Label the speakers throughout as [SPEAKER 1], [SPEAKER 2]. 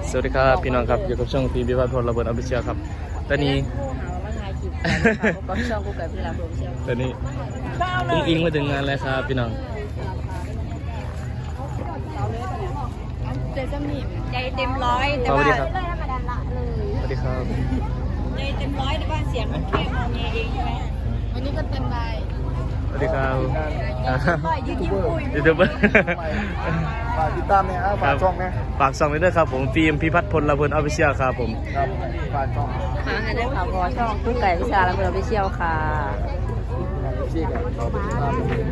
[SPEAKER 1] สวัสดีครับพี่น้องครับอยู่กับช่องพีพิพัฒน์พลระเบิดอภิเชียครับตอนนี้ตอนนี้อิงมาถึงงานแล้วครับพี่น้อง
[SPEAKER 2] ใจเต็มร้อยแต่
[SPEAKER 1] สวั
[SPEAKER 2] ว่า
[SPEAKER 1] สดีครับสวัสดีครับ
[SPEAKER 2] ใจเต็มร้อยแต่ว่าเสียงมันแค่งอแงเองใช่ไหมวันนี้ก็เต็มใบ
[SPEAKER 1] สวัสดีครับ
[SPEAKER 2] ยืนยิ้มคุย
[SPEAKER 1] ยูทูบเบอร์
[SPEAKER 3] ฝากติดตามเนี่ยฝากช่องนะ
[SPEAKER 1] ฝากช่องด้วยครับผมฟิล์มพิพัฒน์พลระเบิดอภิเชียครับผม
[SPEAKER 3] ครับฝากช่อง
[SPEAKER 2] ค่ะให้ได้ข่าวพอช่องกู้ไก่วิชาและเบอร์ไปเชี่ยวค่ะ
[SPEAKER 3] ชื่อกันเขาไปติดตาม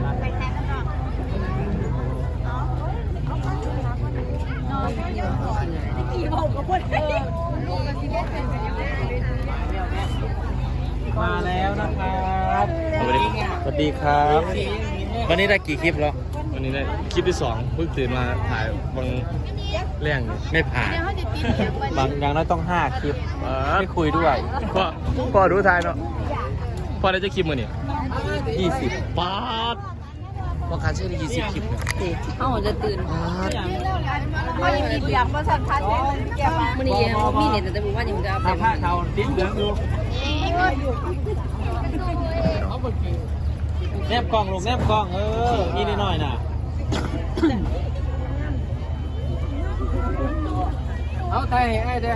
[SPEAKER 4] มาแล้วนะครับ
[SPEAKER 1] สวัสดีครับวันนี้ได้กี่คลิปแล้ววันนี้ได้คลิปที่2เพิ่งตื่นมาถ่ายบางเรื่องไม่ผ่าน
[SPEAKER 4] บางอย่างน้อยต้อง5คลิปไม่คุยด้วย
[SPEAKER 1] พ่อดูทายเนาะพ่อได้จะคลิปมือนี่
[SPEAKER 4] 20
[SPEAKER 1] ป๊าดว่าการใช้ได้20คลิปเนี่ย
[SPEAKER 2] เขาจะตื่นเขายังมีเสียงประสันพัดมันนี่มีเนี่ยแต่ผมว่านี่มันจะ
[SPEAKER 4] ถ้าผ้าเขาดิ้นเหลืองดูแนบกล้องลูกแนบกล้องนี่นิดหน่อยน่ะเอาไทยไอ้เด้อบ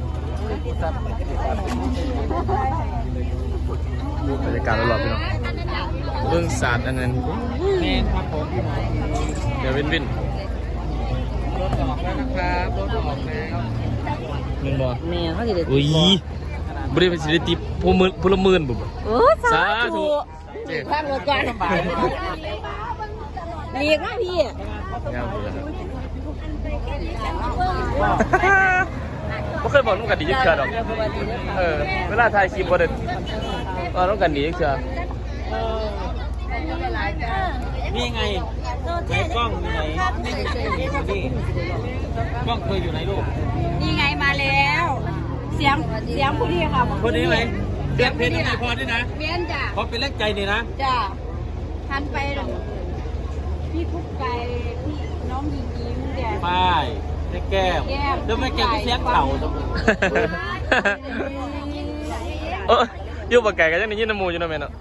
[SPEAKER 1] รรยากาศรอบๆพี่น้องเรื่องศาสตร์อันนั้น
[SPEAKER 4] เมนครับผม
[SPEAKER 1] เดี๋ยววิน
[SPEAKER 4] รถออกแล้วนะครับรถออกแล้ว
[SPEAKER 1] มึงบอก
[SPEAKER 2] เนี่ยเขาจะได้
[SPEAKER 1] อุ้ยบริเวณสิริติพลเมืองบุบ
[SPEAKER 2] โอ้สาธุข้างรถก่อนเรียกนะพี่
[SPEAKER 1] งามเลยไม่เคยบอกน้องกันดีจังเชียวหรอกเวลาถ่ายคลิปบ่ได้น้องกันดีจังเชียว
[SPEAKER 4] นี่ไงไหนกล้องอยู่ไหนนี่กล้องเคยอยู่ไหนลูก
[SPEAKER 2] นี่ไงมาแล้ว เสียงผู้นี้ค่ะ
[SPEAKER 4] คนนี้ไหมเสียงเพลงไหนพอด้วยนะ
[SPEAKER 2] เมียนจ้ะ
[SPEAKER 4] ขอเป็นแรกใจนี่นะ
[SPEAKER 2] จ้ะทันไปพี่คุกไก่พี่น้องยิงยิ้มแก
[SPEAKER 4] ป้ายแก้มแล้วไม่แก้มเสียงเต่าตรงนี้
[SPEAKER 1] อยู่ปากไก่กันยังได้ยินน้ำมูอยู่นะแม่เนาะ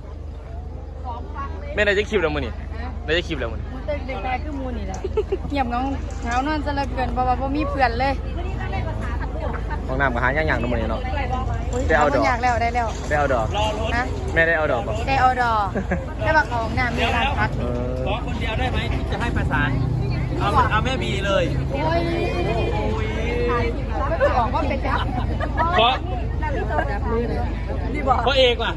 [SPEAKER 1] แม่ได้จะคลิปแล้วมื้อนี่ได้จะคลิปแล้วมื้อนี่
[SPEAKER 5] เด็กๆคือมูนี่แหละเงียบเงาเหงานอนซะเหลือเกินเพราะว่าบ่มีเพื่อนเลย
[SPEAKER 1] ห้องน้ำก็หาย่างๆน้ำมื้อนี่เนาะได้เอาดอก
[SPEAKER 5] อยากแล้วได้แล้ว
[SPEAKER 1] ได้เอาดอก
[SPEAKER 4] รอรถ
[SPEAKER 5] นะ
[SPEAKER 1] แม่ได้เอาดอกป่ะ
[SPEAKER 5] ได้ออดอได้ว่าเขาห้องน้ำมีร้านพัก
[SPEAKER 4] ขอคนเดียวได้ไหมที่จะให้ประสานเอาแม่บีเลย
[SPEAKER 5] โอ้ยไม่ต้องบอกว่าเป็นจับ
[SPEAKER 4] เพราะ
[SPEAKER 5] นี่บอก
[SPEAKER 4] เพราะเอกว่ะ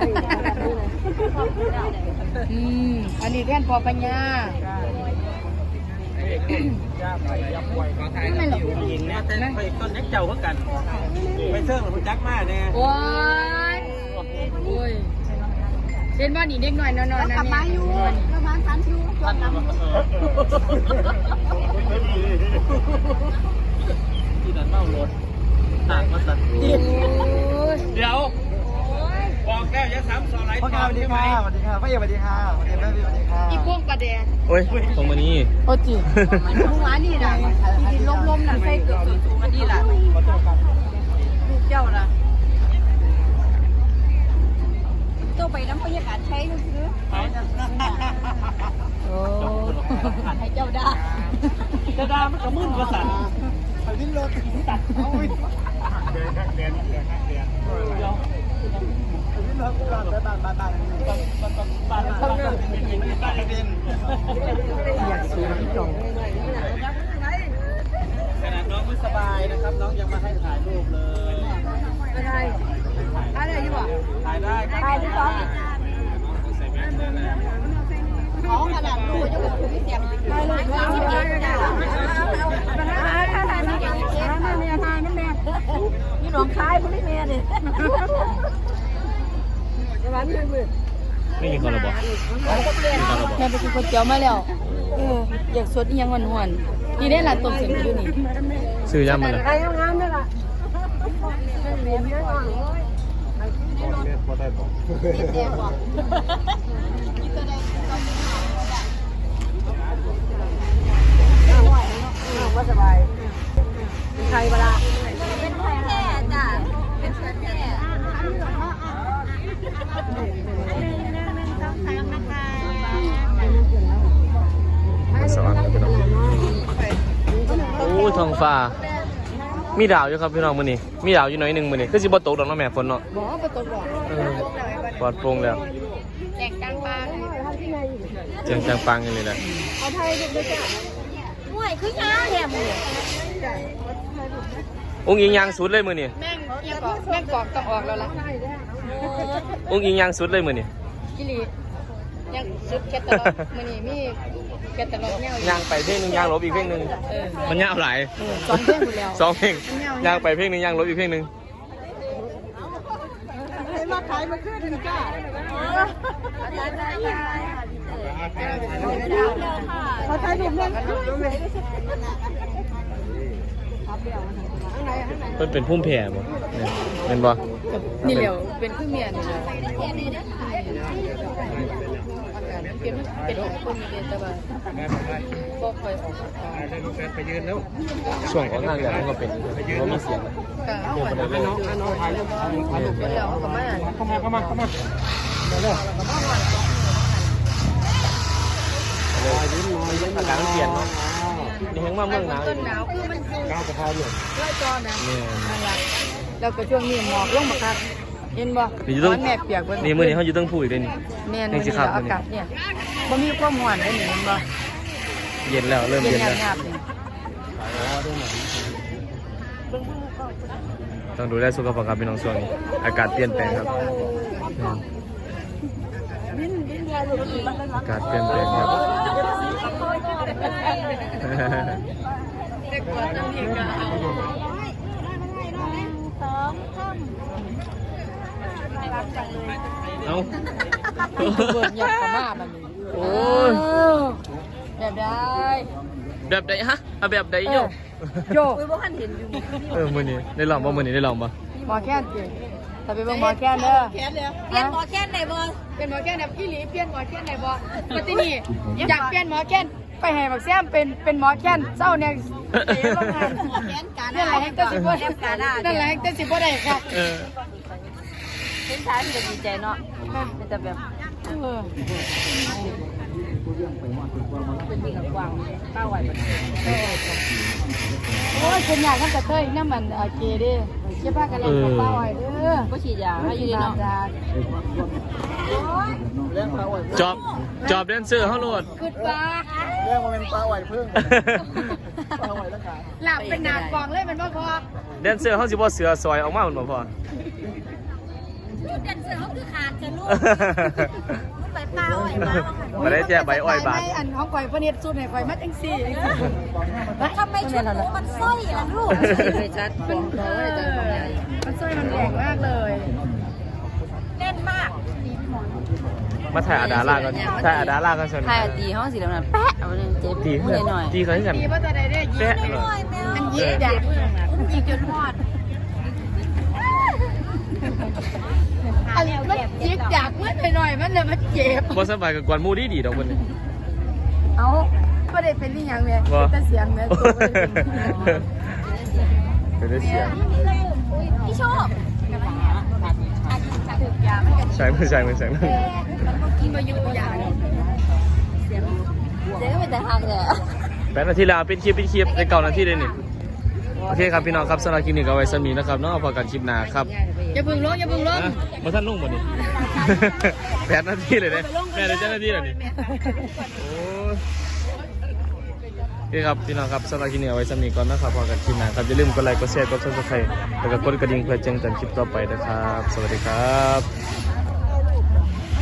[SPEAKER 5] อันนี้แท่นพอปัญญา
[SPEAKER 4] ไม่หรอกหญิงเนี่ยแต่ไปต้นนักเจ้าเขากันไปเชิงหรือจักมากเนี่ย
[SPEAKER 5] โอ้ยโอ้ยเป็นว่านี่เด็กหน่อยนอนๆนะกลับมาอยู่ประมาณ3ชั่วโมง
[SPEAKER 4] ที่นั่นเมารถต่างมาสัตว์เดี๋ยวบอกแล้วอย่าซ้ำซ้อนไร
[SPEAKER 3] พ่อสวัสดีค่ะสวัสดีค่ะพ่อเอ๋สวัสดีค่ะสวัสดีแม่พี่สวัสดีค่ะ
[SPEAKER 5] อีพวกประเดง
[SPEAKER 1] โอ้ยตรงมานี่
[SPEAKER 5] โอ้จีเมื่อวานนี่นะที่ล้มๆน่ะใส่เกือบสูงๆอันนี้ล่ะลูกเจ้าล่ะ
[SPEAKER 2] ตัวไปน้ำบรรยากาศใช้ก็คือ
[SPEAKER 5] โอ้
[SPEAKER 2] ให้เจ้าได้
[SPEAKER 4] จะดามันก็มึนประสาท
[SPEAKER 3] ไปวิ่งรถตัดเอาวิ่งเดินข้างเดินวิ่งรถก่อนไปบ้านข้างหน้าเป็นอยากสูงที่จง
[SPEAKER 4] ขนาดน้องไม่สบายนะครับน้องยังมาให้ถ่ายรูปเลย
[SPEAKER 5] อะไรอะไรอยู่บ่
[SPEAKER 4] ถ่ายได้
[SPEAKER 2] ไปที่สองของขนาดลูกยังแบบเสียงไปเลยนี่หนองคายพุ่งแม่เลย
[SPEAKER 1] ไม่กินข้าวหรอบอกกินข้าวหรอบอก
[SPEAKER 5] แม่ไปกินก๋วยเตี๋ยวมาแล้วอยากสดอีหยังหวานๆนี่ได้หลานต้มเสียงอยู่นี่
[SPEAKER 1] ซื้อย่ำมันเลย
[SPEAKER 5] ใครงามๆด้วยล่ะ
[SPEAKER 3] พอได้บอก
[SPEAKER 2] เด็กบอก
[SPEAKER 5] ว่าสบายใครเวลา
[SPEAKER 2] เป็นแค่จ้ะเป็นแค่
[SPEAKER 1] สว่างครับพี่น้องโอ้ท้องฟ้ามีดาวอยู่ครับพี่น้องมื้อนี้มีดาวอยู่หน่อยหนึงมื้อนี้คือสิบ่ตกดอกเนาะแม่ฝนเนาะ
[SPEAKER 5] บอกว่าประตูบอก
[SPEAKER 1] ปลอดโปร่งแล้ว
[SPEAKER 5] แจกกลางปลา
[SPEAKER 1] เจียงจังปังอย่างนี้แหละ
[SPEAKER 5] เอาไทยดูด้วยจ้ะ
[SPEAKER 2] ห่วยคือยาแถมเลย
[SPEAKER 1] อุ้งอิงยางสุดเลยมื้อนี้
[SPEAKER 5] แม่งกอกต้องออกแล้วล่ะ
[SPEAKER 1] อุ้งอิงยางสุดเลยมื้อนี้
[SPEAKER 5] กิริยังชุดแคตตาล็อกมันนี่มีแคตตาล็อกเนี่ย
[SPEAKER 1] ยางไปเพลงหนึงยางลบอีกเพลงหนึงมันยาวหลาย
[SPEAKER 5] สองเพลงหมดแล้ว
[SPEAKER 1] สองเพลงยางไปเพลงหนึงยางลบอีกเพลงหนึง
[SPEAKER 5] ให้มาขายมาขึ้นถึงจ้า เขาใช้ถุงเงิน
[SPEAKER 1] เพิ่นเป็นพุ่มแผ่บ่เนี่ยเป็นบ่
[SPEAKER 5] นี่เหลียวเป็นเครื่องเมียนเป็นของคนมีเดนตะวันก็คอยออก
[SPEAKER 4] ไปยืนแล้ว
[SPEAKER 1] ช่วงของทางเนี่ยมันก็เป็นบ่มีเสียงนะ
[SPEAKER 5] ก็เอาไปน้องถ่ายรูปแล้วก็มา
[SPEAKER 4] เข้ามา
[SPEAKER 1] อากาศมันเปลี่ยนเนาะนี่แฮงมาเมืองหนาว
[SPEAKER 5] ต้นหนาวคือมัน
[SPEAKER 4] ก้าวกระเพราอยู่
[SPEAKER 5] ร้อยจอนะ
[SPEAKER 1] เนี่ย
[SPEAKER 5] นั่นแหละแล้วก็ช่วงนี้หมอกลงมาครับเห็นบ่
[SPEAKER 1] นี่อยู่ตรง
[SPEAKER 5] แม่เปียกเบิ่
[SPEAKER 1] นี่มื้อนี้เฮาอยู่เทั้งผู้อีกเด้นี่
[SPEAKER 5] แม่น
[SPEAKER 1] นี่สิครับ
[SPEAKER 5] อากาศเนี่ยบ่มีความร้อนเลยนี่เห็นบ่
[SPEAKER 1] เย็นแล้วเริ่ม
[SPEAKER 5] เย็
[SPEAKER 1] เย็
[SPEAKER 5] น
[SPEAKER 1] นแล้ว
[SPEAKER 5] หยาบๆนี่
[SPEAKER 1] ต้องดูแลสุขภาพครับพี่น้องช่วงนี้อากาศเปลี่ยนแปลงครับอากาศเปลี่ยนแปลงครับ
[SPEAKER 5] เด็กกว่าจังนี่ก็เอา
[SPEAKER 1] เอ้า
[SPEAKER 5] เบิ่งยักษ์มาบัดนี้
[SPEAKER 1] โอ้ย
[SPEAKER 5] แบบได้
[SPEAKER 1] แบบใดฮะเอาแบบใดโย
[SPEAKER 5] โย
[SPEAKER 2] คุยบ่คันเห็นอยู่
[SPEAKER 1] มื้อนี้ได้ลองบ่มื้อนี้ได้ลองบ่
[SPEAKER 5] หมอแค้นจริงถ้าไปเบิ่งหมอแค้นเด้อ
[SPEAKER 2] เปลี่ยนหมอแค่ไหนบ่
[SPEAKER 5] เป็นหมอแค้นแบบอีหลีเปลี่ยนหมอแค้นได้บ่ปฏินี่อยากเปลี่ยนหมอแค้นไปให้บักแซมเป็นหมอแค้นเจ้าเนี่ยเสียโรงงาน
[SPEAKER 2] แค่นกัน
[SPEAKER 5] นั่นแหละแฮกเตอร์สิบ่ได้นั่นแหละแฮกเตอร์สิบ่ได้ครับ
[SPEAKER 1] เออ
[SPEAKER 2] เห็นชายมันก็ดีใจเนาะมันจะแบบเป็นมีกับกวางป้าไหวบ่
[SPEAKER 5] โอ้ยคนอยากทำกระเทยน้ำมันเกเด้เก็บผ้ากันเล่นกับป้าไว้เด้อ
[SPEAKER 2] บ่ฉีดยาให้อยู่ดีเนาะ
[SPEAKER 1] จอบแดนเซอร์เฮาโลด
[SPEAKER 5] ขึ้นปลา
[SPEAKER 3] เรื่องมันเป็นปลาไหวพึ่งปลาไหวแล้วขา
[SPEAKER 5] หลับเป็นหนาดกองเลยมันบ่พอ
[SPEAKER 1] แดนเซอร์เฮาสิบ่เสือซอยออกมามันบ่พอ
[SPEAKER 2] จุดเด่นเสือเขาคือขาดจะลูกไปเปล่าไอ้มา
[SPEAKER 1] บ่ได้แจ้ใบอ้อยบาด
[SPEAKER 5] อันของข่อยพระเนตรสุดให้ข่อยมัดจังซี่
[SPEAKER 2] ทำไมชุดกูมันสร้อยล่ะลูกไม่ชัดบอกเลยจัง
[SPEAKER 5] มันสร้อยมันแรงมากเลย
[SPEAKER 2] แน่นมาก
[SPEAKER 1] มาถ่ายอาดาล่ากันถ่ายอาดาล่ากันซั่น
[SPEAKER 2] ไทยตีห้องสีดำๆแปะเอาเลยเจ็บ
[SPEAKER 1] ตี
[SPEAKER 2] มือหน่อย
[SPEAKER 1] ตีกันกัน
[SPEAKER 5] ดีว่าจะได้ยิ
[SPEAKER 1] แปะ
[SPEAKER 5] ง
[SPEAKER 1] เหรอ
[SPEAKER 5] อันยิงอยากยิงจนหอดอันมันยิงอยากเมื่อหน่อยมันเลยมันเจ็บ
[SPEAKER 1] บ่สบายกับกวนหมู่ดีๆดอกเพิ่นนี่
[SPEAKER 5] เอาไม่ได้เป็นนี่ยังเลยแต่เสียงเนี่ย
[SPEAKER 1] เป็นได้เสียง
[SPEAKER 2] พี่โชค
[SPEAKER 1] ใช่มือ
[SPEAKER 5] กินมาอยู่อย่าง
[SPEAKER 2] เจ๊ก็เป็นแต่ทางเนี่ย
[SPEAKER 1] 8 นาทีแล้วปิดคลิปใน9 นาทีเลยนี่โอเคครับพี่น้องครับสำหรับคลิปนี้ก็เอาไว้สมีนะครับเนาะพอกันคลิปหน้าครับ
[SPEAKER 5] อย่าพึ่งลงอย่าพึ่งลง
[SPEAKER 1] มาท่านนุ่งหมดนี่ 8 นาทีเลยเนี่ยแม่ได้7 นาทีแล้วนี่โอ้โอเคครับพี่น้องครับสำหรับคลิปนี้เอาไว้สมีก่อนนะครับพอกันคลิปหน้าครับอย่าลืมกดไลค์กดแชร์กด Subscribe แล้วก็กดกระดิ่งเพื่อแจ้งเตือนคลิปต่อไปนะครับสวัสดีครับ